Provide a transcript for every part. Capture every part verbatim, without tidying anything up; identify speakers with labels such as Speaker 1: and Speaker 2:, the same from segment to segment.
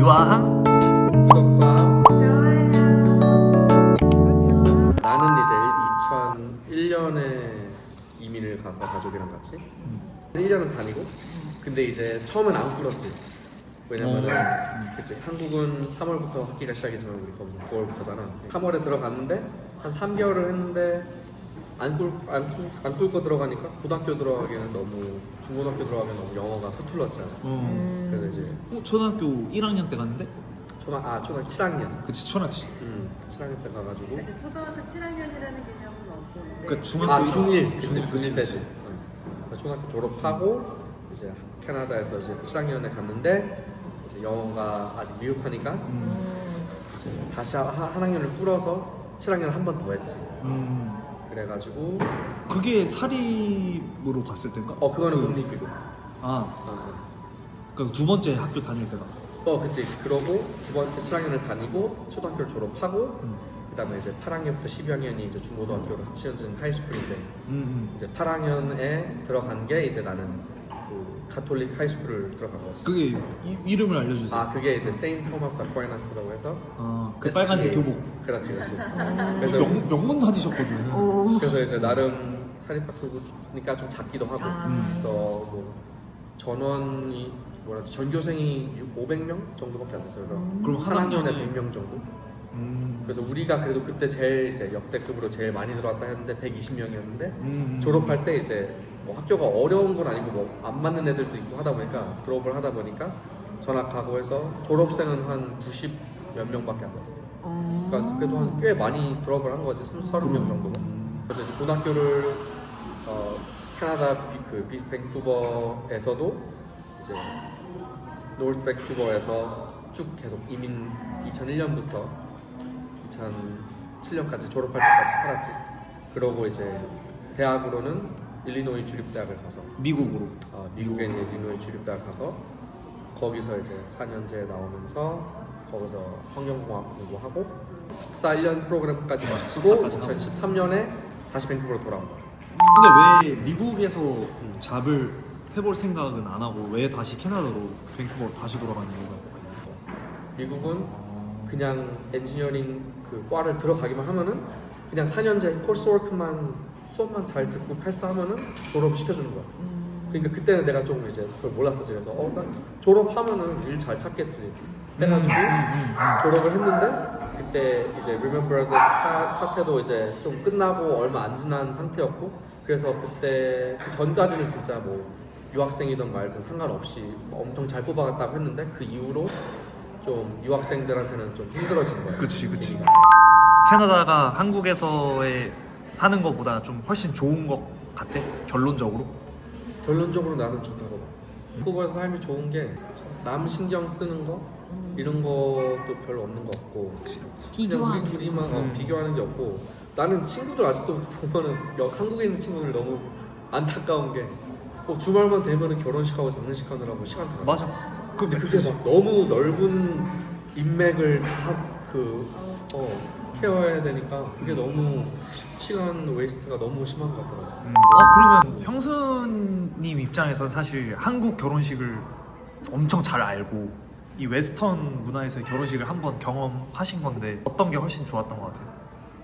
Speaker 1: 유아항
Speaker 2: 구독과
Speaker 3: 좋아요.
Speaker 2: 나는 이제 이천일 년에 이민을 가서 가족이랑 같이 일 년은 다니고 근데 이제 처음엔 안 꿀었지. 왜냐면은 그치 한국은 삼월부터 학기가 시작이지만 우리 거기는 구월부터잖아. 삼월에 들어갔는데 한 삼 개월을 했는데 안 꿀, 안, 꿀- 안 꿀고 들어가니까 고등학교 들어가기에는 너무 중고등학교 들어가면 너무 영어가 서툴렀잖아.
Speaker 1: 어.
Speaker 2: 그래서 이제
Speaker 1: 어, 초등학교 일 학년 때 갔는데?
Speaker 2: 초등 아 초등 칠 학년
Speaker 1: 그치 초나치.
Speaker 2: 음 칠 학년 때 가가지고
Speaker 3: 이제 초등학교 칠 학년이라는 개념은 없고 이제
Speaker 1: 그러니까 중학교
Speaker 2: 아
Speaker 1: 일-
Speaker 2: 중일 그치
Speaker 1: 중일,
Speaker 2: 중일
Speaker 1: 그치,
Speaker 2: 때지. 응. 초등학교 졸업하고 이제 캐나다에서 이제 칠 학년에 갔는데 이제 영어가 아직 미흡하니까
Speaker 1: 음.
Speaker 2: 이제 다시 하- 한 학년을 뿌려서 칠 학년 한 번 더 했지.
Speaker 1: 음.
Speaker 2: 그래가지고
Speaker 1: 그게 사립으로 갔을 때인가?
Speaker 2: 어 그거는
Speaker 1: 그-
Speaker 2: 국립이고.
Speaker 1: 아,
Speaker 2: 어,
Speaker 1: 그러니까 두 번째 학교 다닐 때가.
Speaker 2: 어. 어 그치 그러고 두 번째 칠 학년을 다니고 초등학교를 졸업하고
Speaker 1: 음.
Speaker 2: 그다음에 이제 팔 학년부터 십이 학년이 이제 중고등학교로 합치어진 하이스쿨인데
Speaker 1: 음. 음.
Speaker 2: 이제 팔 학년에 들어간 게 이제 나는 그 가톨릭 하이스쿨을 들어간 거지.
Speaker 1: 그게 이, 이름을 알려주세요.
Speaker 2: 아 그게 이제 세인트 토마스 아퀴나스라고 해서
Speaker 1: 아, 그
Speaker 2: 에스티에이.
Speaker 1: 빨간색 교복.
Speaker 2: 그렇지 그렇지. 그래서
Speaker 1: 명, 명문 다니셨거든.
Speaker 3: 오.
Speaker 2: 그래서 이제 나름 사립학교니까 좀 작기도 하고
Speaker 3: 아.
Speaker 2: 그래서 뭐 전원이 뭐라지 전교생이 오백 명 정도밖에 안 됐어요. 그래서
Speaker 1: 그럼
Speaker 2: 한
Speaker 1: 한
Speaker 2: 학년에
Speaker 1: 학년에
Speaker 2: 백 명 정도.
Speaker 1: 음.
Speaker 2: 그래서 우리가 그래도 그때 제일 이제 역대급으로 제일 많이 들어왔다 했는데 백이십 명이었는데
Speaker 1: 음.
Speaker 2: 졸업할 때 이제 뭐 학교가 어려운 건 아니고 뭐 안 맞는 애들도 있고 하다 보니까 졸업을 하다 보니까 전학하고 해서 졸업생은 한 구십 몇 명밖에 안 됐어. 그러니까 그래도 한 꽤 많이 졸업을 한 거지. 서른 명 정도가. 그래서 이제 고등학교를 어, 캐나다 비, 그 비, 밴쿠버에서도 이제 노스 밴쿠버에서 쭉 계속 이민 이천일 년부터 이천칠 년까지 졸업할 때까지 살았지. 그러고 이제 대학으로는 일리노이 주립대학을 가서
Speaker 1: 미국으로.
Speaker 2: 어, 미국에 있는 일리노이 주립대학 가서 거기서 이제 사 년제 나오면서 거기서 환경공학 공부하고 석사 일 년 프로그램까지 마치고
Speaker 1: 석사까지 하고.
Speaker 2: 이천십삼 년에 다시 밴쿠버로 돌아온 거야.
Speaker 1: 근데 왜 미국에서 잡을 해볼 생각은 안 하고 왜 다시 캐나다로 밴쿠버로 다시 돌아가는 이유가?
Speaker 2: 미국은 그냥 엔지니어링 그 과를 들어가기만 하면은 그냥 사 년제 코스워크만 수업만 잘 듣고 패스하면은 졸업 시켜주는 거야. 그러니까 그때는 내가 좀 이제 그걸 몰랐었지. 그래서 어, 난 졸업하면은 일 잘 찾겠지 해가지고 졸업을 했는데 그때 이제 Remember the 사, 사태도 이제 좀 끝나고 얼마 안 지난 상태였고 그래서 그때 그 전까지는 진짜 뭐 유학생이든 말든 상관없이 엄청 잘 뽑아갔다고 했는데 그 이후로 좀 유학생들한테는 좀 힘들어진 거예요.
Speaker 1: 그치 그치. 캐나다가 한국에서의 사는 것보다 좀 훨씬 좋은 것 같아? 결론적으로?
Speaker 2: 결론적으로 나는 좋다고 봐. 한국에서 삶이 좋은 게 남 신경 쓰는 거 이런 것도 별로 없는 것 같고 그냥
Speaker 3: 비교하는
Speaker 2: 우리 둘이만 어,
Speaker 1: 음.
Speaker 2: 비교하는 게 없고 나는 친구들 아직도 보면은 여- 한국에 있는 친구들 너무 안타까운 게 어, 주말만 되면은 결혼식하고 장례식 하느라고 시간 다 가.
Speaker 1: 맞아. 그
Speaker 2: 근데 그게 막 너무 넓은 인맥을 다그 어, 케어해야 되니까 그게 너무 시간 웨이스트가 너무 심한 것 같더라고.
Speaker 1: 음. 어 그러면 형수님 입장에서 사실 한국 결혼식을 엄청 잘 알고 이 웨스턴 문화에서의 결혼식을 한번 경험하신 건데 어떤 게 훨씬 좋았던 것 같아요?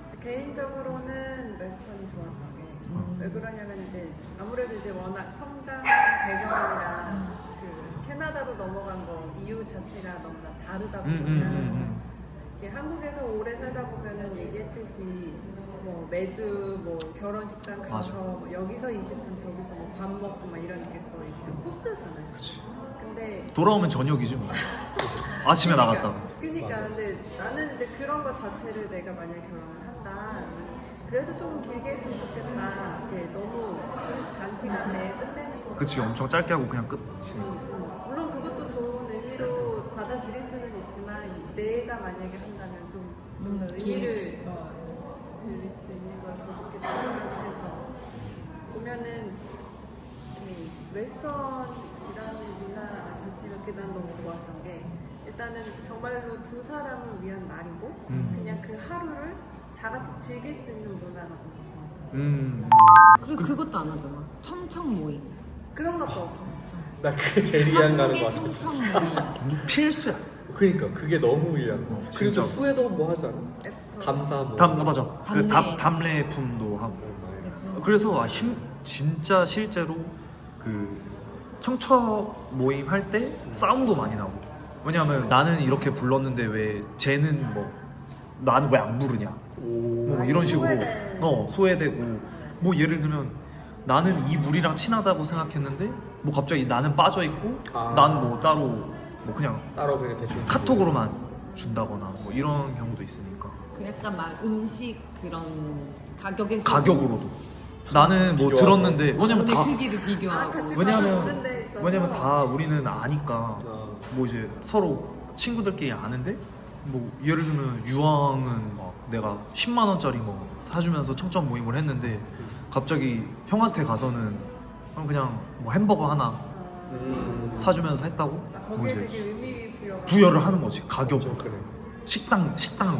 Speaker 3: 개인적으로는 웨스턴이 좋았던 게
Speaker 1: 음.
Speaker 3: 왜 그러냐면 이제 아무래도 이제 워낙 성장 배경이랑 그 캐나다로 넘어간 거 이유 자체가 너무나 다르다
Speaker 1: 음,
Speaker 3: 보니까
Speaker 1: 음, 음,
Speaker 3: 이게 한국에서 오래 살다 보면은 얘기했듯이 뭐 매주 뭐 결혼식장 가서
Speaker 1: 맞아.
Speaker 3: 뭐 여기서 이십 분 저기서 뭐 밥 먹고 막 이런 게 거의 그냥 코스잖아요.
Speaker 1: 그치.
Speaker 3: 근데
Speaker 1: 돌아오면 저녁이지 뭐. 아침에 나갔다.
Speaker 3: 그러니까
Speaker 2: 맞아.
Speaker 3: 근데 나는 이제 그런 거 자체를 내가 만약 결혼을 한다 그래도 좀 길게 했으면 좋겠다. 이게 너무 그 단시간에 끝내는 거.
Speaker 1: 그치 엄청 짧게 하고 그냥 끝.
Speaker 3: 음, 음. 물론 그것도 좋은 의미로 받아들일 수는 있지만 내가 만약에 한다면 좀 좀 더 의미를 어, 들릴 수 있는 거였으면 좋겠다 생각해서 보면은 이 웨스턴이라는 문화 자체가 그난 너무 좋았던 게 일단은 정말로 두 사람을 위한 날이고
Speaker 1: 음.
Speaker 3: 그냥 그 하루를 다 같이 즐길 수 있는 문화가 너무 좋았던
Speaker 1: 음.
Speaker 4: 그리고 그것도 안 하잖아. 청청 모임.
Speaker 3: 그런 것도 없어.
Speaker 2: 나 그게 제일 이해안 가는 것
Speaker 4: 한국의
Speaker 2: 같아.
Speaker 4: 청청 모임.
Speaker 1: 필수야.
Speaker 2: 그러니까 그게 너무 이해한 거.
Speaker 1: 어,
Speaker 2: 그리고
Speaker 1: 진짜.
Speaker 2: 후에도 뭐 하지 않아?
Speaker 3: 애프터.
Speaker 2: 감사 뭐.
Speaker 1: 담 아, 맞아. 그
Speaker 4: 담례.
Speaker 1: 담 담례품도 하고.
Speaker 2: 어,
Speaker 1: 그래서 아, 심, 진짜 실제로 그 청처 모임 할 때 싸움도 많이 나고. 왜냐하면 나는 이렇게 불렀는데 왜 쟤는 뭐 나는 왜 안 부르냐.
Speaker 2: 오.
Speaker 1: 뭐 이런 식으로
Speaker 3: 소외돼.
Speaker 1: 어 소외되고 뭐 예를 들면 나는 이 물이랑 친하다고 생각했는데 뭐 갑자기 나는 빠져 있고
Speaker 2: 아.
Speaker 1: 난 뭐 따로 뭐 그냥
Speaker 2: 따로 그냥 대충
Speaker 1: 카톡으로만 준다거나 뭐 이런 경우도 있으니까
Speaker 4: 그 약간 막 음식 그런 가격에서
Speaker 1: 가격으로도 나는 뭐
Speaker 2: 비교하고.
Speaker 1: 들었는데 왜냐면
Speaker 4: 몸의
Speaker 1: 다
Speaker 4: 크기를
Speaker 3: 아,
Speaker 4: 비교하고
Speaker 3: 같이
Speaker 1: 왜냐면
Speaker 3: 가는 데 있어서.
Speaker 1: 왜냐면 다 우리는 아니까
Speaker 2: 어.
Speaker 1: 뭐 이제 서로 친구들끼리 아는데 뭐 예를 들면 유황은 막 내가 십만 원짜리 뭐 사주면서 청점 모임을 했는데 갑자기 형한테 가서는 그냥 뭐 햄버거 하나
Speaker 2: 음.
Speaker 1: 사주면서 했다고
Speaker 3: 아,
Speaker 1: 뭐
Speaker 3: 거기에
Speaker 1: 이제
Speaker 3: 되게 의미 부여.
Speaker 1: 부여를 하는 거지 가격으로
Speaker 2: 좀 그래.
Speaker 1: 식당 식당으로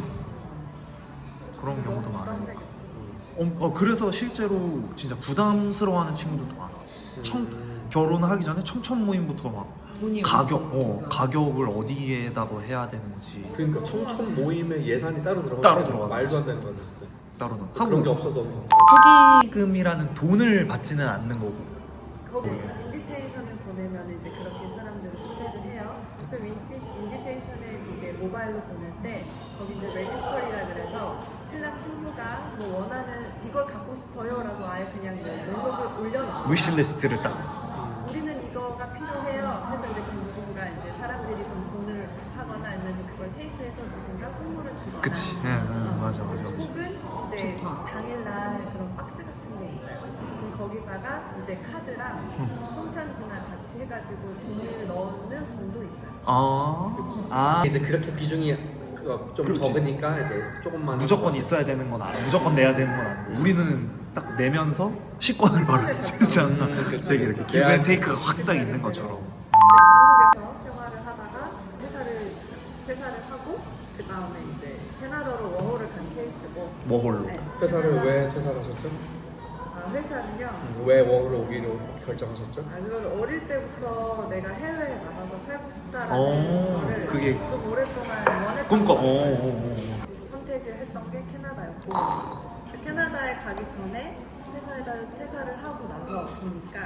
Speaker 1: 그런 경우도 많아요. 어, 어, 그래서 실제로 진짜 부담스러워하는 친구들도 많아. 청
Speaker 2: 음.
Speaker 1: 결혼하기 전에 청천 모임부터 막
Speaker 4: 돈이
Speaker 1: 가격
Speaker 4: 엄청
Speaker 1: 어
Speaker 4: 비싸.
Speaker 1: 가격을 어디에다가 해야 되는지
Speaker 2: 그러니까 청천 모임에 예산이 따로 들어가.
Speaker 1: 따로 들어가는
Speaker 2: 말도 안
Speaker 1: 거지.
Speaker 2: 되는 거죠 진짜.
Speaker 1: 따로는
Speaker 2: 그런 게
Speaker 1: 하고
Speaker 2: 없어도
Speaker 1: 후기금이라는 돈을 받지는 않는 거고
Speaker 3: 거기 인비테이션을 보내면 이제 그렇게 사람들을 초대를 해요. 그럼 인비, 인비테이션을 이제 모바일로 보낼 때 거기 이제 레지스터리라 그래서 신랑 신부가 뭐 원하는 이걸 갖고 싶어요라고 아예 그냥 이제 목록을 올려놓고
Speaker 1: 위시리스트를 딱
Speaker 3: 우리는 이거가 필요해요. 해서 이제 그 누군가 이제 사람들이 좀 돈을 하거나 아니면 그걸 테이프해서 누군가 선물을 주거나.
Speaker 1: 그치. 예, 예, 맞아, 맞아, 맞아.
Speaker 3: 혹은 이제
Speaker 4: 좋다.
Speaker 3: 당일날 그런 박스 같은 게 있어요. 그럼 거기다가 이제 카드랑
Speaker 1: 음.
Speaker 3: 손편지나 같이 해가지고 돈을 넣는 분도 있어요.
Speaker 1: 아, 아
Speaker 2: 이제 그렇게 비중이 그거 좀
Speaker 1: 그렇지.
Speaker 2: 적으니까 이제 조금만
Speaker 1: 무조건
Speaker 2: 하고
Speaker 1: 있어야 되는 건 아니고 무조건 내야 되는 건 아니고 우리는 딱 내면서 식권을 바로 진짜
Speaker 2: 음, 그치.
Speaker 1: 되게 이렇게 기브 앤 테이크가 확 딱 있는 것처럼
Speaker 3: 한국에서 생활을 하다가 회사를 퇴사를 하고 그 다음에 이제 캐나다로 워홀을 간 케이스고.
Speaker 1: 워홀로
Speaker 3: 네.
Speaker 2: 회사를 왜 퇴사를 하셨죠?
Speaker 3: 아, 회사는요.
Speaker 2: 음, 왜 워홀로 오기로 결정하셨죠?
Speaker 3: 아, 그건 어릴 때부터 내가 해외에 나가서 살고 싶다라는
Speaker 1: 오,
Speaker 3: 거를
Speaker 1: 그게
Speaker 3: 좀 오랫동안 원했던
Speaker 1: 꿈꿔.
Speaker 3: 것
Speaker 1: 오,
Speaker 3: 같아요.
Speaker 1: 오, 오.
Speaker 3: 선택을 했던 게 캐나다였고 그 캐나다에 가기 전에 회사에다 퇴사를 하고 나서 보니까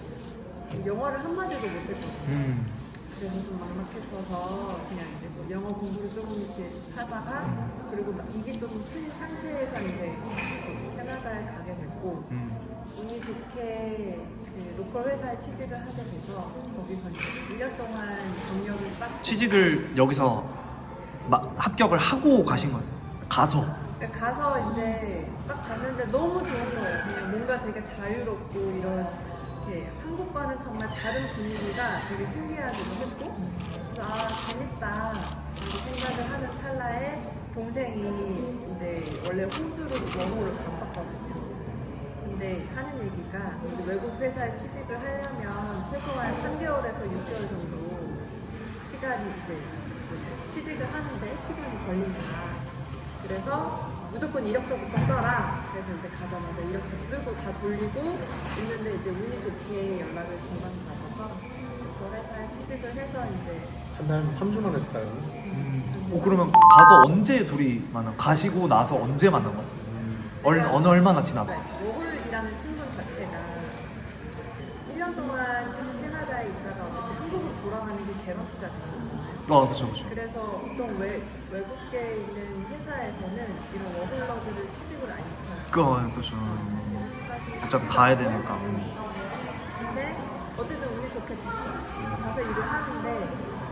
Speaker 3: 영어를 한마디도 못했거든요.
Speaker 1: 음.
Speaker 3: 그래서 좀 막막했어서 그냥 이제 뭐 영어 공부를 조금 이렇게 하다가 그리고 막 입이 조금 트인 상태에서 이제 캐나다에 가게 됐고
Speaker 1: 음.
Speaker 3: 운이 좋게 그 로컬 회사에 취직을 하게 돼서 거기서 이제 일 년 동안 경력을 쌓고
Speaker 1: 취직을 여기서 마, 합격을 하고 가신 거예요? 가서
Speaker 3: 그러니까 가서 이제 딱 갔는데 너무 좋은 거예요. 그냥 뭔가 되게 자유롭고 이런 이렇게 한국과는 정말 다른 분위기가 되게 신기하기도 했고 그래서 아 재밌다 이렇게 생각을 하는 찰나에 동생이 이제 원래 호주로 영어를 갔었거든요. 근데 하는 얘기가 이제 외국 회사에 취직을 하려면 최소한 삼 개월에서 육 개월 정도 시간이 이제 취직을 하는데 시간이 걸린다. 그래서 무조건 이력서부터 써라. 그래서 이제 가자마자 이력서 쓰고 다 돌리고 있는데 이제 운이 좋게 연락을 금방 받아서 그 회사에 취직을 해서 이제
Speaker 2: 한달 삼 주 만에 됐다요.
Speaker 1: 음. 어, 그러면 가서 언제 둘이 만나? 가시고 나서 언제 만난 거야? 얼, 어느 얼마나 지나서?
Speaker 3: 워홀이라는 신분 자체가 일 년 동안 캐나다에 있다가 어차피 한국으로 돌아가는 게 개런티가 되잖아요.
Speaker 1: 아 그쵸 그쵸
Speaker 3: 그래서 보통 외, 외국계에 있는 회사에서는 이런 워홀러들을 취직을 안 시켜요.
Speaker 1: 그 그쵸
Speaker 3: 취직까지
Speaker 1: 어차피 가야 되니까
Speaker 3: 근데 어쨌든 운이 좋게 됐어요. 그래서 가서 일을 하는데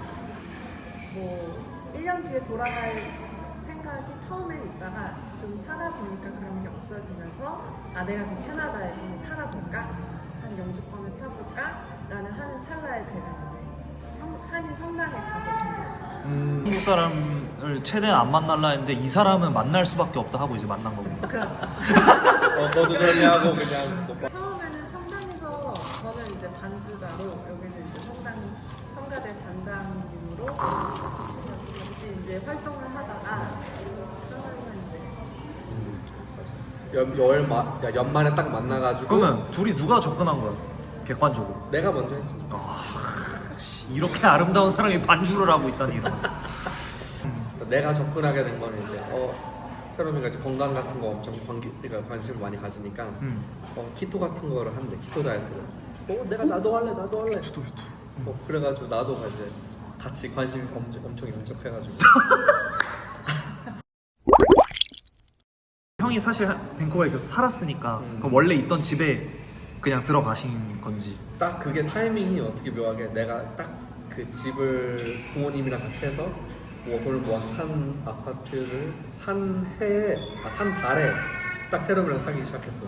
Speaker 3: 뭐 일 년 뒤에 돌아갈 생각이 처음엔 있다가 좀 살아보니까 그런 게 없어지면서 아 내가 그 캐나다에 좀 살아볼까? 한 영주권을 타볼까? 라는 하는 찰나에 제가 이제 성, 한인 성당에 가게 된 거죠.
Speaker 1: 음, 한국 사람을 최대한 안 만날라 했는데 이 사람은 만날 수밖에 없다 하고 이제 만난 거고
Speaker 3: 그렇죠.
Speaker 2: 어, 너도 그러냐고 그냥 못 봐.
Speaker 3: 처음에는 성당에서 저는 이제 반주자로 여기는 이제 성당 성가대 단장님으로 같이 이제 활동을 하다가 처음에는 이제
Speaker 2: 연, 열 마, 야, 연말에 딱 만나가지고
Speaker 1: 그러면 둘이 누가 접근한 거야? 객관적으로
Speaker 2: 내가 먼저 했지.
Speaker 1: 아, 씨. 이렇게 아름다운 사람이 반주를 하고 있다니 이러면서.
Speaker 2: 내가 접근하게 된 거는 이제 어 세롬이가 이제 건강 같은 거 엄청 관계, 그러니까 관심을 많이 가지니까
Speaker 1: 음.
Speaker 2: 어 키토 같은 거를 한대. 키토 다이어트를. 어 내가 나도 할래 나도 할래.
Speaker 1: 유튜브 유튜브.
Speaker 2: 어 그래가지고 나도 이제 같이 관심이 엄청 엄청 인척해가지고.
Speaker 1: 형이 사실 밴쿠버에 계속 살았으니까
Speaker 2: 음.
Speaker 1: 그럼 원래 있던 집에 그냥 들어가신 건지.
Speaker 2: 딱 그게 타이밍이 어떻게 묘하게 내가 딱 그 집을 부모님이랑 같이 해서 뭐 돈을 모아서 산 아파트를 산 해에 아 산 달에 딱 세롬이랑 사귀기 시작했어.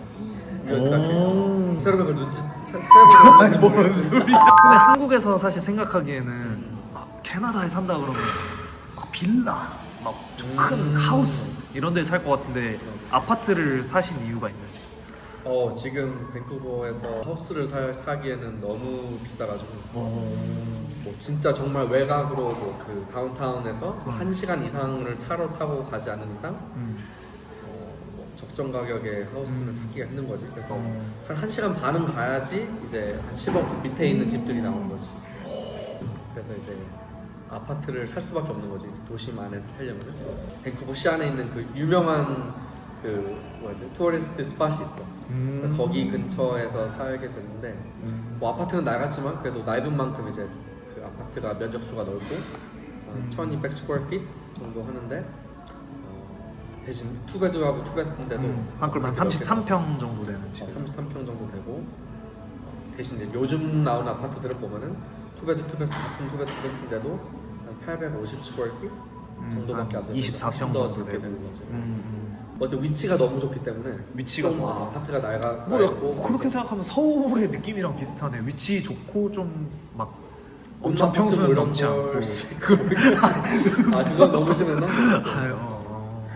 Speaker 1: 오.
Speaker 2: 세롬이 그걸 눈치 채-
Speaker 1: 아니
Speaker 2: 채보고
Speaker 1: 뭔 소리야? 근데 한국에서 사실 생각하기에는 막 캐나다에 산다 그러면 막 빌라, 막 큰
Speaker 2: 음.
Speaker 1: 하우스 이런 데 살 것 같은데 아파트를 사신 이유가 있는지.
Speaker 2: 어 지금 밴쿠버에서 하우스를 살, 사기에는 너무 비싸가지고 뭐 진짜 정말 외곽으로 뭐 그 다운타운에서
Speaker 1: 음.
Speaker 2: 한 시간 이상을 차로 타고 가지 않는 이상
Speaker 1: 음.
Speaker 2: 어, 뭐 적정 가격의 하우스를
Speaker 1: 음.
Speaker 2: 찾기가 힘든 거지. 그래서
Speaker 1: 어.
Speaker 2: 한 1시간 반은 가야지 이제 한 십억 밑에 있는 집들이 나오는 거지. 그래서 이제 아파트를 살 수밖에 없는 거지. 도심 안에서 살려면. 밴쿠버 시 안에 있는 그 유명한 그 뭐지 투어리스트 스팟이 있어.
Speaker 1: 음.
Speaker 2: 그래서 거기 근처에서 살게 됐는데
Speaker 1: 음.
Speaker 2: 뭐 아파트는 낡았지만 그래도 넓은 만큼 이제 그 아파트가 면적수가 넓고 그래서
Speaker 1: 음.
Speaker 2: 천이백 스퀘어 핏 정도 하는데 어, 대신 투베드하고 투베드인데도
Speaker 1: 음. 한 그럼 한 삼십삼 평 정도 되는 집.
Speaker 2: 어, 삼십삼 평 정도 되고 어, 대신 이제 요즘 나온 아파트들을 보면은 투베드 투베드 같은 투베드 투베드인데도 한 팔백오십 스퀘어 핏 정도밖에 안 되는
Speaker 1: 이십사 평
Speaker 2: 더
Speaker 1: 정도
Speaker 2: 적게
Speaker 1: 되고.
Speaker 2: 되는 거지.
Speaker 1: 음, 음.
Speaker 2: 어쨌든 위치가 너무 좋기 때문에
Speaker 1: 위치가
Speaker 2: 좀
Speaker 1: 좋아서.
Speaker 2: 아파트가 낡아
Speaker 1: 뭐 약-
Speaker 2: 낡고
Speaker 1: 그렇게 생각하면 서울의 느낌이랑 비슷하네. 위치 좋고 좀 막 엄청
Speaker 2: 엄청
Speaker 1: 평수는
Speaker 2: 이런
Speaker 1: 넘지 않고.
Speaker 2: 걸 수도 있고. 아 그건 너무 심했나?
Speaker 1: 아유, 어, 어.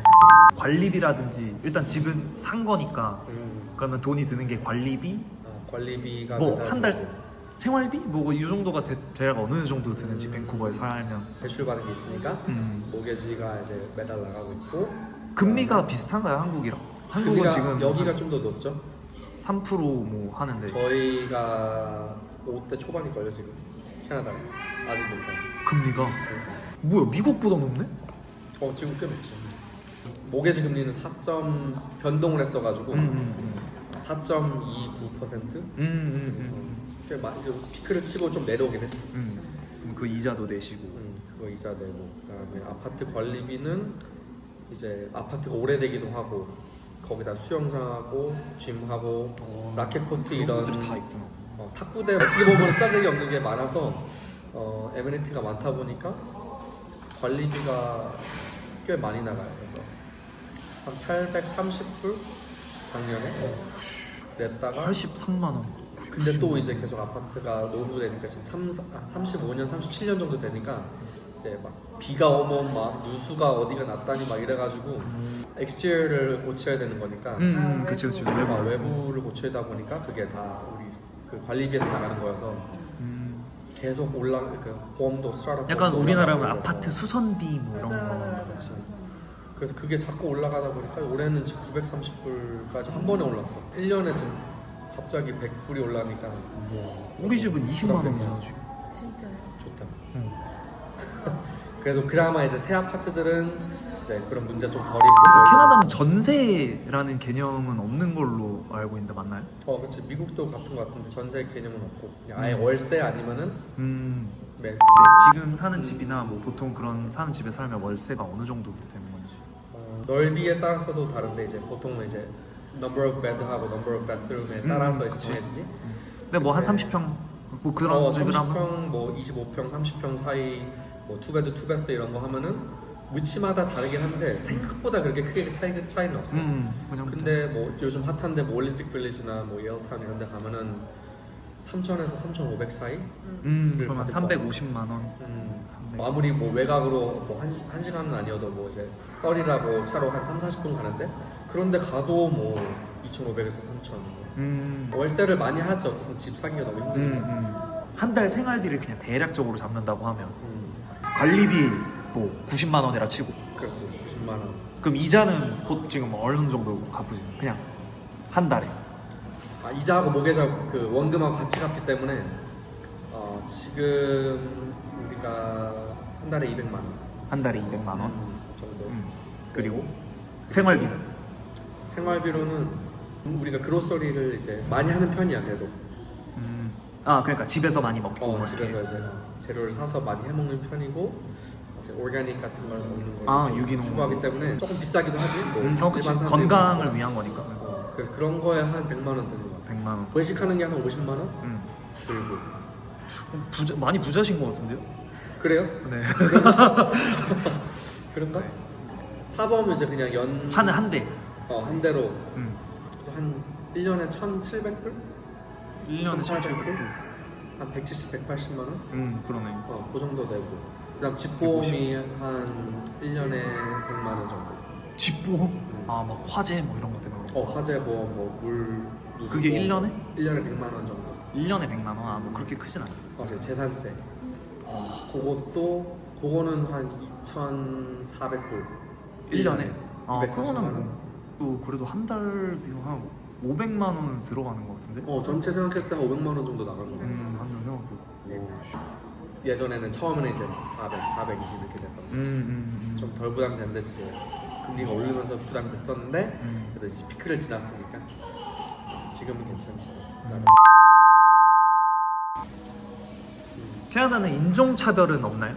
Speaker 1: 관리비라든지 일단 집은 산 거니까
Speaker 2: 음,
Speaker 1: 그러면 돈이 드는 게 관리비,
Speaker 2: 아, 관리비가
Speaker 1: 뭐
Speaker 2: 매달
Speaker 1: 한 달
Speaker 2: 들고
Speaker 1: 생활비, 뭐 이 정도가 대, 대략 어느 정도 드는지
Speaker 2: 음.
Speaker 1: 밴쿠버에 살면.
Speaker 2: 대출 받은 게 있으니까
Speaker 1: 음.
Speaker 2: 모게지가 이제 매달 나가고 있고
Speaker 1: 금리가 비슷한가요 한국이랑? 한국은
Speaker 2: 금리가
Speaker 1: 지금
Speaker 2: 여기가 좀 더 높죠?
Speaker 1: 삼 퍼센트 뭐 하는데
Speaker 2: 저희가 오 대 초반일걸요 지금 캐나다에 아직 높아요.
Speaker 1: 금리가 뭐야 미국보다 높네?
Speaker 2: 어 지금 꽤 높지. 모게지 금리는 사 점 변동을 했어가지고
Speaker 1: 음, 음,
Speaker 2: 사 점 이구 퍼센트
Speaker 1: 음, 음, 음,
Speaker 2: 꽤 많이 피크를 치고 좀 내려오긴 했지.
Speaker 1: 음. 그럼 그 이자도 내시고.
Speaker 2: 음, 그거 이자 내고 그다음에 아파트 관리비는 이제 아파트가 오래되기도 하고 거기다 수영장하고 짐하고
Speaker 1: 어,
Speaker 2: 라켓 코트
Speaker 1: 그런
Speaker 2: 이런
Speaker 1: 것들이 다 있구나.
Speaker 2: 어, 탁구대 어떻게 보면 싸대기 없는 게 많아서 어, 에메니티가 많다 보니까 관리비가 꽤 많이 나가요. 그래서 한 팔백삼십 불 작년에 냈다가
Speaker 1: 팔십삼만 원.
Speaker 2: 근데 또 이제 계속 아파트가 노후되니까 지금 삼십오 년, 삼십칠 년 정도 되니까 이제 막 비가 오면 막 누수가 어디가 났다니 막 이래가지고 엑스티어를 고쳐야 되는 거니까
Speaker 1: 음,
Speaker 3: 아,
Speaker 1: 음 그치 그치
Speaker 3: 외부.
Speaker 1: 외부
Speaker 2: 막 외부를 고쳐야 보니까 그게 다 우리 그 관리비에서 나가는 거여서
Speaker 1: 음,
Speaker 2: 계속 올라 그 보험도 스타트업
Speaker 1: 약간
Speaker 2: 보험도
Speaker 1: 우리나라면
Speaker 2: 올라가고
Speaker 1: 아파트
Speaker 2: 그래서.
Speaker 1: 수선비 뭐 이런
Speaker 3: 맞아
Speaker 1: 거.
Speaker 3: 맞아 맞아.
Speaker 2: 그치. 그래서 그게 자꾸 올라가다 보니까 올해는 지금 구백삼십 불까지 한 번에 올랐어. 일 년에 지금 갑자기 백 불이 올라니까
Speaker 1: 우리 집은 이십만 원이잖아 지금.
Speaker 3: 진짜요?
Speaker 2: 좋다.
Speaker 1: 응.
Speaker 2: 그래도 그나마 이제 새 아파트들은 이제 그런 문제 좀 덜 있고.
Speaker 1: 캐나다는 전세라는 개념은 없는 걸로 알고 있는데 맞나요?
Speaker 2: 어, 그렇지. 미국도 같은 것 같은데 전세 개념은 없고 그냥 아예
Speaker 1: 음.
Speaker 2: 월세 아니면은
Speaker 1: 음,
Speaker 2: 매.
Speaker 1: 네, 지금 사는 집이나 뭐 보통 그런 사는 집에 살면 월세가 어느 정도 되는 건지.
Speaker 2: 어, 넓이에 따라서도 다른데 이제 보통은 이제 number of bed하고 number of bathroom에 따라서
Speaker 1: 음,
Speaker 2: 이제
Speaker 1: 그치.
Speaker 2: 정해지지.
Speaker 1: 근데 뭐 한
Speaker 2: 네.
Speaker 1: 삼십 평 뭐 그런
Speaker 2: 어,
Speaker 1: 집을 하면
Speaker 2: 삼십 평, 뭐 이십오 평, 삼십 평 사이 뭐 투베드, 투베드 이런 거 하면은 위치마다 다르긴 한데 생각보다 그렇게 크게 차이 차이는 없어.
Speaker 1: 음, 그냥
Speaker 2: 근데 뭐 요즘 핫한데 뭐 올림픽 빌리지나 뭐 예어타운 이런 데 가면은 삼천에서 삼천오백 사이?
Speaker 1: 음,
Speaker 2: 를
Speaker 1: 그러면
Speaker 2: 받을
Speaker 1: 삼백오십만 원.
Speaker 2: 음,
Speaker 1: 삼백.
Speaker 2: 뭐 아무리 뭐 외곽으로 뭐 한, 시, 한 시간은 아니어도 뭐 이제 썰이라고 차로 한 삼, 사십 분 가는데 그런데 가도 뭐 이천오백에서 삼천
Speaker 1: 음.
Speaker 2: 월세를 많이 하지. 어쨌든 집 사기가 너무
Speaker 1: 음,
Speaker 2: 힘드니까.
Speaker 1: 음. 한 달 생활비를 그냥 대략적으로 잡는다고 하면
Speaker 2: 음,
Speaker 1: 관리비 뭐 구십만 원이라 치고
Speaker 2: 그렇지. 구십만 원.
Speaker 1: 그럼 이자는 보- 지금 어느 정도 갚으지? 그냥 한 달에.
Speaker 2: 아, 이자하고 모계자 그 원금하고 같이 갚기 때문에 어, 어, 지금 우리가 한 달에 이백만 원
Speaker 1: 한 달에 이백만 원.
Speaker 2: 정도.
Speaker 1: 음. 그리고 생활비는?
Speaker 2: 생활비로는 우리가 그로서리를 이제 많이 하는 편이야 그래도.
Speaker 1: 음. 아 그러니까 집에서 많이 먹고
Speaker 2: 어,
Speaker 1: 뭐
Speaker 2: 집에서
Speaker 1: 이렇게.
Speaker 2: 이제 재료를 사서 많이 해 먹는 편이고 이제 오르가닉 같은 걸 먹는 걸
Speaker 1: 아, 유기농.
Speaker 2: 추구하기 때문에 조금 비싸기도 하지. 뭐
Speaker 1: 음, 어, 그치.
Speaker 2: 일반 사람들이
Speaker 1: 건강을
Speaker 2: 먹는
Speaker 1: 위한 거니까.
Speaker 2: 거. 어, 그래서 그런 거에 한 백만 원 드는 거 같아.
Speaker 1: 백만 원.
Speaker 2: 외식하는 게 한 오십만 원
Speaker 1: 음.
Speaker 2: 들고.
Speaker 1: 부자, 많이 부자신 것 같은데요?
Speaker 2: 그래요?
Speaker 1: 네.
Speaker 2: 그런가? 사범은 이제 그냥 연
Speaker 1: 차는 한 대.
Speaker 2: 어, 한 대로
Speaker 1: 음.
Speaker 2: 그래서 한 일 년에 천칠백 불?
Speaker 1: 일 년에
Speaker 2: 천팔백
Speaker 1: 천칠백 불.
Speaker 2: 한 백칠십, 백팔십만 원?
Speaker 1: 음, 그러네.
Speaker 2: 어, 그 정도 되고. 그다음 집보험이 한 일 년에 백만 원 정도.
Speaker 1: 집보험? 아, 막 화재 뭐 이런 것 때문에.
Speaker 2: 어, 화재 보험, 뭐 물, 누수
Speaker 1: 그게
Speaker 2: 보험,
Speaker 1: 일 년에?
Speaker 2: 일 년에 백만 원 정도.
Speaker 1: 일 년에 백만 원? 아, 뭐 그렇게 크진 않아.
Speaker 2: 어, 이제 재산세. 그것도 그거는 한 이천사백 불.
Speaker 1: 일 년에? 아,
Speaker 2: 이백사십만
Speaker 1: 그거는
Speaker 2: 원.
Speaker 1: 뭐, 또 그래도 한 달 비용 한 오백만 원은 들어가는 것 같은데?
Speaker 2: 어, 전체 생각했을 때 한 오백만 원 정도 나간 거네.
Speaker 1: 음, 한달 생각해보고.
Speaker 2: 어, 예전에는 처음에는 이제 사백, 사백이십 이렇게 됐던
Speaker 1: 음,
Speaker 2: 거지.
Speaker 1: 음, 음.
Speaker 2: 좀 덜 부담됐는데 이제 금리가 오르면서 부담됐었는데
Speaker 1: 음.
Speaker 2: 그래도 이제 피크를 지났으니까 지금은 괜찮지.
Speaker 1: 음. 캐나다는 인종차별은 없나요?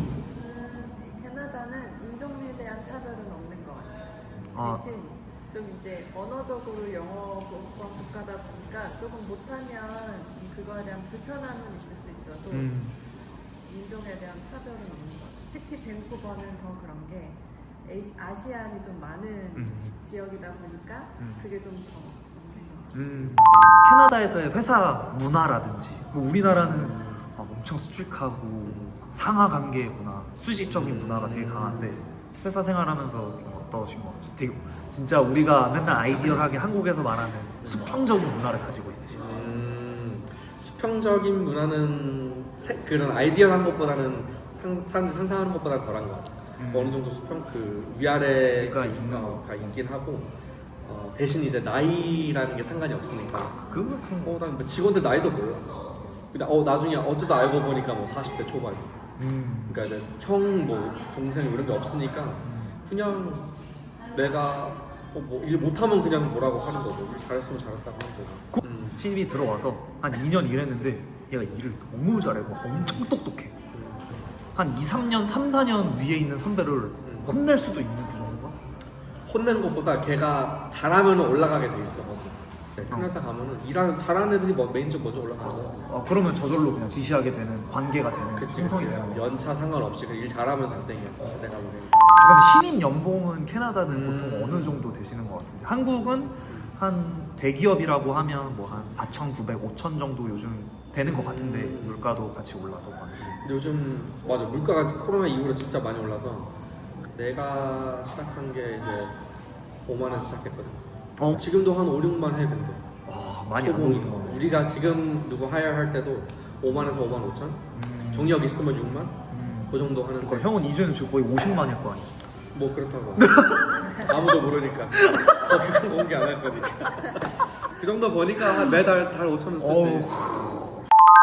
Speaker 3: 음, 캐나다는 인종에 대한 차별은 없는 것 같아요.
Speaker 1: 아.
Speaker 3: 대신 좀 이제 언어적으로 영어권 국가다 보니까 조금 못하면 그거에 대한 불편함은 있을 수 있어도
Speaker 1: 음.
Speaker 3: 인종에 대한 차별은 없는 것 같아요. 특히 밴쿠버는 더 그런 게 에이- 아시안이 좀 많은
Speaker 1: 음.
Speaker 3: 지역이다 보니까
Speaker 1: 음.
Speaker 3: 그게 좀 더 있는 것 같아요.
Speaker 1: 음. 캐나다에서의 회사 문화라든지 뭐 우리나라는 막 엄청 스트릭하고 상하 관계 문화, 수직적인 문화가 되게 강한데 회사 생활하면서 좀 어떠신 것 같아요? 되게 진짜 우리가 맨날 아이디얼하게 한국에서 말하는 수평적인 문화를 가지고 있으신지.
Speaker 2: 음, 수평적인 문화는 세- 그런 아이디어한 것보다는 상, 사람들이 상상하는 것보다 덜한 것 같아.
Speaker 1: 음.
Speaker 2: 어느 정도 수평 그 위아래가
Speaker 1: 가 있는
Speaker 2: 어, 가 있긴 하고 어, 대신 이제 나이라는 게 상관이 없으니까.
Speaker 1: 그거
Speaker 2: 어, 난뭐 직원들 나이도 몰라. 근데 어 나중에 어쩌다 알고 보니까 뭐 사십 대 초반.
Speaker 1: 음.
Speaker 2: 그러니까 이제 형 뭐 동생 이런 게 없으니까 그냥 내가 어, 뭐 일 못하면 그냥 뭐라고 하는 거고 일 잘했으면 잘했다고 하는 거고. 음.
Speaker 1: 신입이 들어와서 한 이 년 일했는데 얘가 일을 너무 잘해. 막 엄청 똑똑해. 한 이, 삼 년, 삼, 사 년 위에 있는 선배를 혼낼 수도 있는 그 정도가?
Speaker 2: 혼내는 것보다 걔가 잘하면 올라가게 돼 있어. 큰 회사 가면은 일하는 잘하는 애들이 뭐 메인적 먼저 올라가고.
Speaker 1: 어, 그러면 저절로 그냥 지시하게 되는 관계가 되는
Speaker 2: 그치
Speaker 1: 형성이
Speaker 2: 그치.
Speaker 1: 되는 거.
Speaker 2: 연차 상관없이 일 잘하면 장땡이야. 진짜 내가 보기엔.
Speaker 1: 그럼 신입 연봉은 캐나다는
Speaker 2: 음.
Speaker 1: 보통 어느 정도 되시는 것 같은데 한국은 한 대기업이라고 하면 뭐 한 사천구백, 오천 정도 요즘 되는 것 같은데
Speaker 2: 음.
Speaker 1: 물가도 같이 올라서 그런지.
Speaker 2: 근데 요즘 맞아 물가가 코로나 이후로 진짜 많이 올라서 내가 시작한 게 이제 오만 원 시작했거든.
Speaker 1: 어?
Speaker 2: 지금도 한 오, 육만 해 근데.
Speaker 1: 와 많이 안
Speaker 2: 초봉이.
Speaker 1: 오르는 거네.
Speaker 2: 우리가 지금 누구 하이어 할 때도 오만에서 오만 오천.
Speaker 1: 음.
Speaker 2: 경력 있으면 육만.
Speaker 1: 음.
Speaker 2: 그 정도 하는데.
Speaker 1: 그러니까 형은 이제는 지금 거의 오십만일 거 아니야?
Speaker 2: 뭐 그렇다고. 아무도 모르니까. 더 그건 공개 안 할 거니까. 그 정도 버니까 한 매달 달 오천 원 쓰지.
Speaker 1: 어우.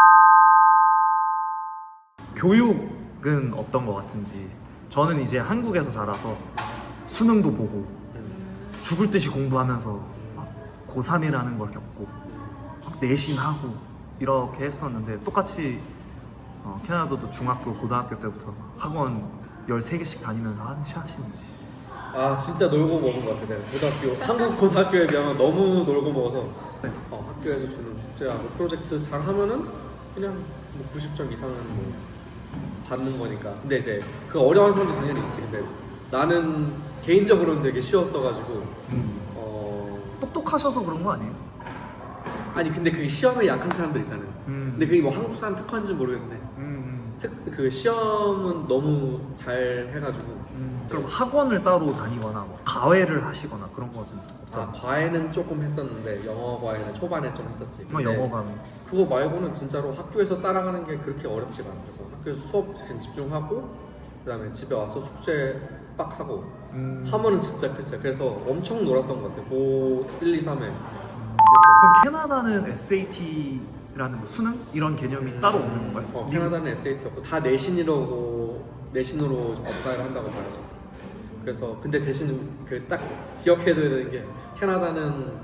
Speaker 1: 교육은 어떤 것 같은지. 저는 이제 한국에서 자라서 수능도 보고
Speaker 2: 음.
Speaker 1: 죽을 듯이 공부하면서 막 고삼이라는 걸 겪고 막 내신하고 이렇게 했었는데 똑같이 어, 캐나다도 중학교, 고등학교 때부터 막 학원 열세 개씩 다니면서 하는 하시는지.
Speaker 2: 아 진짜 놀고 먹은 것 같아 내가 고등학교 한국 고등학교에 비하면 너무 놀고 먹어서
Speaker 1: 그래서
Speaker 2: 어, 학교에서 주는 숙제하고 프로젝트 잘 하면은 그냥 뭐 구십 점 이상은 뭐 받는 거니까. 근데 이제 그 어려운 사람도 당연히 있지. 근데 나는 개인적으로는 되게 쉬웠어가지고
Speaker 1: 음.
Speaker 2: 어
Speaker 1: 똑똑하셔서 그런 거 아니에요?
Speaker 2: 아니 근데 그게 시험에 약한 사람들 있잖아요.
Speaker 1: 음.
Speaker 2: 근데 그게 뭐 한국 사람 특화인지 모르겠는데
Speaker 1: 음,
Speaker 2: 특 그 시험은 너무 잘 해가지고.
Speaker 1: 음. 그럼 학원을 따로 다니거나 뭐 과외를 하시거나 그런 것은 없어요?
Speaker 2: 아, 과외는 조금 했었는데 영어 과외는 초반에 좀 했었지.
Speaker 1: 뭐
Speaker 2: 근데
Speaker 1: 영어 과외.
Speaker 2: 그거 말고는 진짜로 학교에서 따라가는 게 그렇게 어렵지가 않아. 그래서 학교에서 수업 그냥 집중하고 그다음에 집에 와서 숙제 빡 하고
Speaker 1: 음.
Speaker 2: 하면은 진짜 끝이야. 그래서 엄청 놀았던 것 같아. 고 일, 이, 삼에.
Speaker 1: 그럼 캐나다는 에스에이티 뭐 수능 이런 개념이 따로 없는 건가요?
Speaker 2: 어,
Speaker 1: 미국-
Speaker 2: 캐나다는 에스에이티 없고 다 내신으로 내신으로 업다이를 한다고 봐야죠. 그래서 근데 대신 그 딱 기억해둬야 되는 게 캐나다는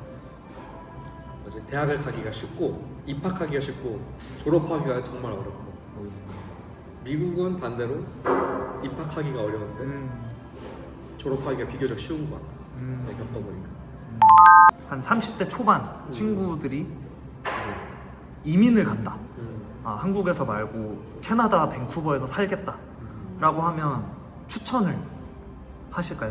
Speaker 2: 뭐지 대학을 가기가 쉽고 입학하기가 쉽고 졸업하기가 정말 어렵고 미국은 반대로 입학하기가 어려운데
Speaker 1: 음,
Speaker 2: 졸업하기가 비교적 쉬운 것 같아.
Speaker 1: 음.
Speaker 2: 네, 겪어보니까.
Speaker 1: 한 삼십 대 초반 친구들이 이제 이민을 간다.
Speaker 2: 음.
Speaker 1: 아, 한국에서 말고 캐나다 밴쿠버에서 살겠다 라고 하면 추천을 하실까요?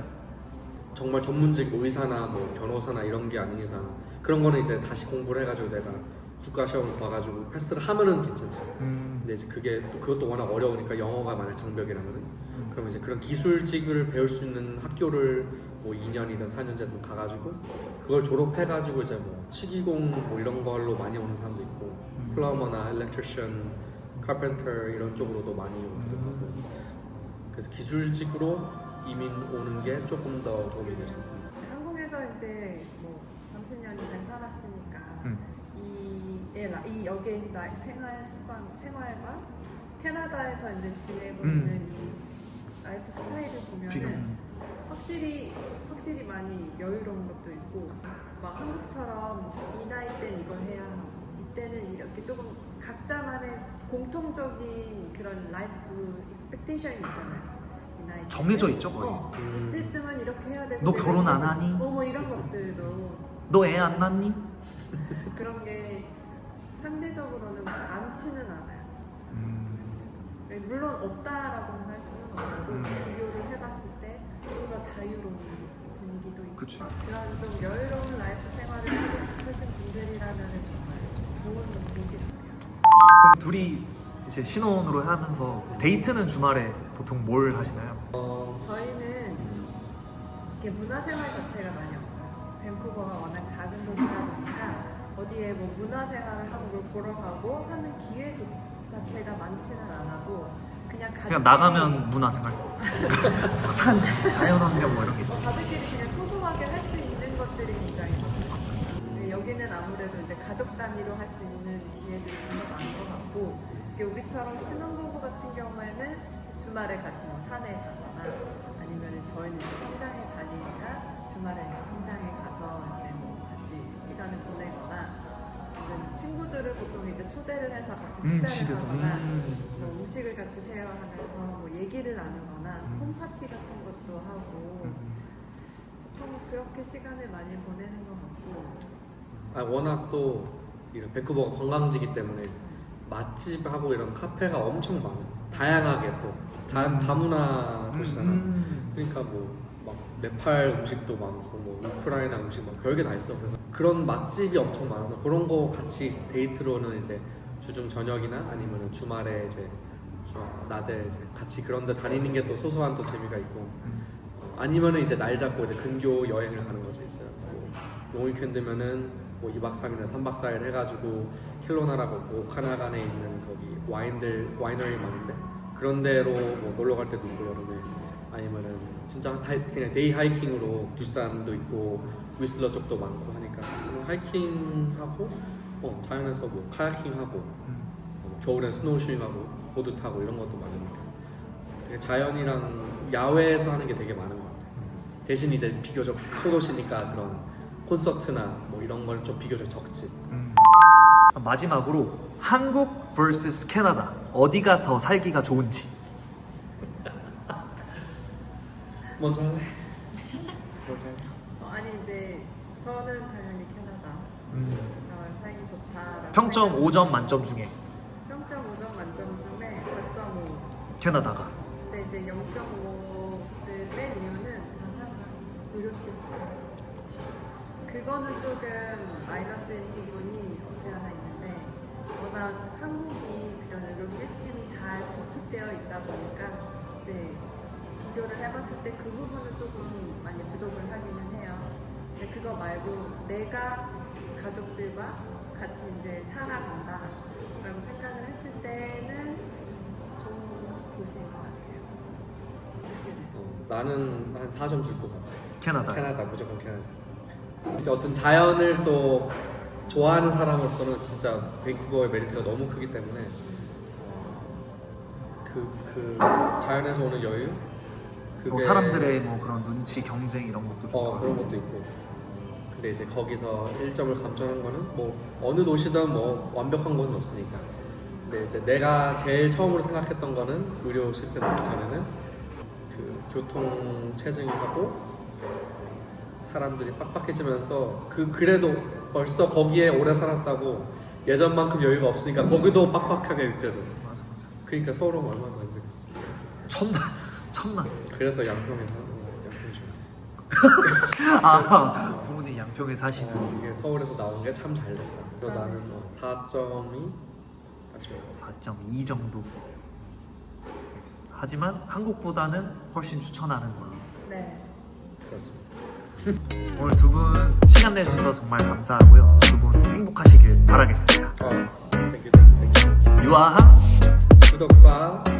Speaker 2: 정말 전문직 뭐 의사나 뭐 변호사나 이런 게 아닌 이상 그런 거는 이제 다시 공부를 해가지고 내가 국가 시험을 봐가지고 패스를 하면은 괜찮지.
Speaker 1: 음,
Speaker 2: 근데 이제 그게 또 그것도 워낙 어려우니까 영어가 만약 장벽이라면은 그러면 이제 그런 기술직을 배울 수 있는 학교를 뭐 이 년이든 사 년제든 가가지고 그걸 졸업해가지고 이제 뭐 치기공 뭐 이런 걸로 많이 오는 사람도 있고 플러머나 일렉트리션, 카펜터 이런 쪽으로도 많이 오기도 하고 그래서 기술직으로 이민 오는 게 조금 더 도움이 되죠.
Speaker 3: 한국에서 이제 뭐 삼십 년 이상 살았으니까
Speaker 1: 음.
Speaker 3: 이, 예, 라- 이 여기에 나 생활 습관, 생활과 캐나다에서 이제 지내고
Speaker 1: 음.
Speaker 3: 있는 이 라이프 스타일을 보면은
Speaker 1: 비교.
Speaker 3: 확실히 확실히 많이 여유로운 것도 있고 막 한국처럼 이 나이 땐 이걸 해야 하고 이때는 이렇게 조금 각자만의 공통적인 그런 라이프 익스펙테이션이 있잖아요. 이 나이
Speaker 1: 정해져
Speaker 3: 때는.
Speaker 1: 있죠, 거의.
Speaker 3: 어,
Speaker 2: 음.
Speaker 3: 이때쯤은 이렇게 해야 되고
Speaker 1: 너 결혼 안 하니?
Speaker 3: 어뭐 이런 것들도
Speaker 1: 너 애 안 낳니?
Speaker 3: 그런 게 상대적으로는 많지는 않아요.
Speaker 1: 음,
Speaker 3: 네, 물론 없다라고는 할 수는 없어도
Speaker 1: 음.
Speaker 3: 비교를 해봤을 때 좀 더 자유로운 분위기도 있고
Speaker 1: 그치.
Speaker 3: 그런 좀 여유로운 라이프 생활을 하고 싶으신 분들이라면 정말 좋은 곳이 같아요.
Speaker 1: 그럼 둘이 이제 신혼으로 하면서 데이트는 주말에 보통 뭘 하시나요?
Speaker 2: 어,
Speaker 3: 저희는 이렇게 문화생활 자체가 많이 없어요. 밴쿠버가 워낙 작은 도시다 보니까 어디에 뭐 문화생활을 하고 뭘 보러 가고 하는 기회 조- 자체가 많지는 않고 그냥 가족끼리
Speaker 1: 그냥 나가면 문화생활 산, 자연환경 뭐 이런 게
Speaker 3: 어,
Speaker 1: 있어요.
Speaker 3: 가족끼리 그냥 소소하게 할 수 있는 것들이 굉장히 많아요. 근데 여기는 아무래도 이제 가족 단위로 할 수 있는 기회들이 좀 더 많은 것 같고 이게 우리처럼 신혼부부 같은 경우에는 주말에 같이 뭐 산에 가거나 아니면 저희는 이제 성당에 다니니까 주말에 이제 성당에 가서 이제 뭐 같이 시간을 보내거나 아니면 친구들을 보통 이제 초대를 해서 같이
Speaker 1: 음,
Speaker 3: 식사를
Speaker 1: 집에서.
Speaker 3: 하거나
Speaker 1: 음.
Speaker 3: 뭐 음식을 같이 쉐어하면서 뭐 얘기를 나누거나
Speaker 1: 음.
Speaker 3: 홈파티 같은 것도 하고
Speaker 1: 음.
Speaker 3: 보통 그렇게 시간을 많이 보내는 것 같고
Speaker 2: 아, 워낙 또 이런 밴쿠버가 관광지기 때문에 맛집하고 이런 카페가 엄청 많아요. 다양하게 또 다, 다문화 도시잖아.
Speaker 1: 음.
Speaker 2: 그러니까 뭐 막 네팔 음식도 많고 뭐 우크라이나 음식 막 별게 다 있어. 그래서 그런 맛집이 엄청 많아서 그런 거 같이 데이트로는 이제 주중 저녁이나 아니면 주말에 이제 주- 낮에 이제 같이 그런데 다니는 게 또 소소한 또 재미가 있고
Speaker 1: 음.
Speaker 2: 어, 아니면은 이제 날 잡고 이제 근교 여행을 가는 거지 있어요. 뭐 롱위켄드면은 뭐 이 박 삼 일이나 삼 박 사 일 해가지고 킬로나라고 뭐 오카나간에 있는 거기 와인들 와이너리 많은데 그런 데로 뭐 놀러 갈 때도 있고 여름에 아니면은 진짜 다- 그냥 데이 하이킹으로 뒷산도 있고 위슬러 쪽도 많고 하니까 그런 하이킹하고 어, 자연에서 뭐 카야킹하고
Speaker 1: 음.
Speaker 2: 어, 겨울엔 스노우쇼잉하고 보드 타고 이런 것도 많으니까 되게 자연이랑 야외에서 하는 게 되게 많은 것 같아요. 대신 이제 비교적 소도시니까 그런 콘서트나 뭐 이런 건 좀 비교적 적지.
Speaker 1: 음. 마지막으로 한국 vs 캐나다 어디가 더 살기가 좋은지.
Speaker 2: 먼저 할래? 먼저 할래?
Speaker 3: 어, 아니 이제 저는 당연히 캐나다
Speaker 1: 음.
Speaker 3: 어, 살기 좋다라고
Speaker 1: 평점
Speaker 3: 생각-
Speaker 1: 오 점 만점 중에
Speaker 3: 평점 오 점 만점 중에 사 점 오
Speaker 1: 캐나다가.
Speaker 3: 근데 이제 영 점 오를 뺀 이유는 단 하나 의료 시스템 그거는 조금 마이너스인 부분이 없지 않아 있는데 워낙 한국이 그런 의료 시스템이 잘 구축되어 있다 보니까 이제 비교를 해봤을 때 그 부분은 조금 많이 부족을 하기는 해요. 근데 그거 말고 내가 가족들과 같이 이제 살아간다라고 생각을 했을 때는 좋은 도시인 것 같아요. 확실히.
Speaker 2: 어, 나는 한 사 점 줄 것 같아.
Speaker 1: 캐나다.
Speaker 2: 캐나다 무조건 캐나다. 이제 어떤 자연을 또 좋아하는 사람으로서는 진짜 밴쿠버의 메리트가 너무 크기 때문에 그, 그 자연에서 오는 여유 그게
Speaker 1: 뭐 사람들의 뭐 그런 눈치, 경쟁 이런 것도 좋고.
Speaker 2: 어, 그런 것도 있고 근데 이제 거기서 일 점을 감점한 거는 뭐 어느 도시든 뭐 완벽한 곳은 없으니까 근데 이제 내가 제일 처음으로 생각했던 거는 의료 시스템 듣기 전에는 그 교통 체증하고 사람들이 빡빡해지면서 그 그래도 벌써 거기에 오래 살았다고 예전만큼 여유가 없으니까 거기도 빡빡하게 느껴져.
Speaker 1: 맞아 맞아.
Speaker 2: 그러니까 서울 오면 얼마나 더 힘들겠어.
Speaker 1: 천만 천만.
Speaker 2: 그래서 양평에 사는 거야. 양평 좀.
Speaker 1: 아 부모님 양평에 사시는.
Speaker 2: 어, 이게 서울에서 나온 게 참 잘 됐다. 그래서 나는 뭐 사 점이 딱 좋아.
Speaker 1: 사 점 이 정도. 알겠습니다. 하지만 한국보다는 훨씬 추천하는 걸로.
Speaker 3: 네.
Speaker 2: 그렇습니다.
Speaker 1: 오늘 두 분 시간 내주셔서 정말 감사하고요. 두 분 행복하시길 바라겠습니다.
Speaker 2: 어, 땡큐 땡큐 땡큐.
Speaker 1: 유아한
Speaker 2: 구독과